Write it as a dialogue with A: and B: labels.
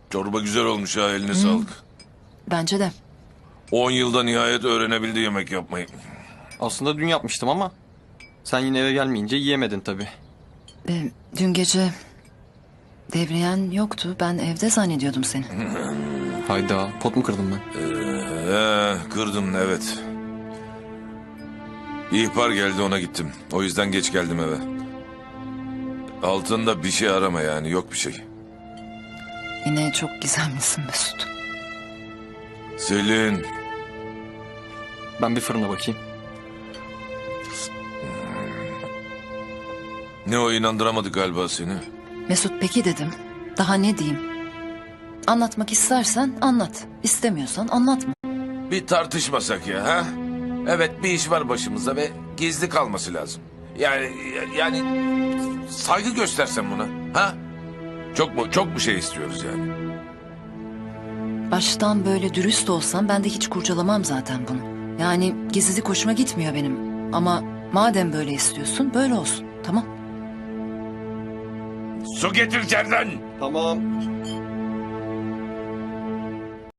A: Çorba güzel olmuş ha, eline sağlık.
B: Bence de.
A: 10 yılda nihayet öğrenebildi yemek yapmayı.
C: Aslında dün yapmıştım ama sen yine eve gelmeyince yiyemedin tabii.
B: Dün gece devriyen yoktu. Ben evde zannediyordum seni.
C: Hayda, pot mu kırdım ben?
A: Kırdım evet. İhbar geldi, ona gittim. O yüzden geç geldim eve. Altında bir şey arama yani, yok bir şey.
B: Yine çok gizemlisin Mesut.
A: Selin,
C: Ben bir fırına bakayım.
A: ne o, inandıramadı galiba seni.
B: Mesut peki dedim. Daha ne diyeyim? Anlatmak istersen anlat. İstemiyorsan anlatma.
A: Bir tartışmasak ya ha? Evet, bir iş var başımızda ve gizli kalması lazım. Yani saygı göstersen buna ha? Çok mu şey istiyoruz yani?
B: Baştan böyle dürüst olsam ben de hiç kurcalamam zaten bunu. Yani gizlilik hoşuma gitmiyor benim. Ama madem böyle istiyorsun böyle olsun. Tamam.
A: Su getir içeriden.
C: Tamam.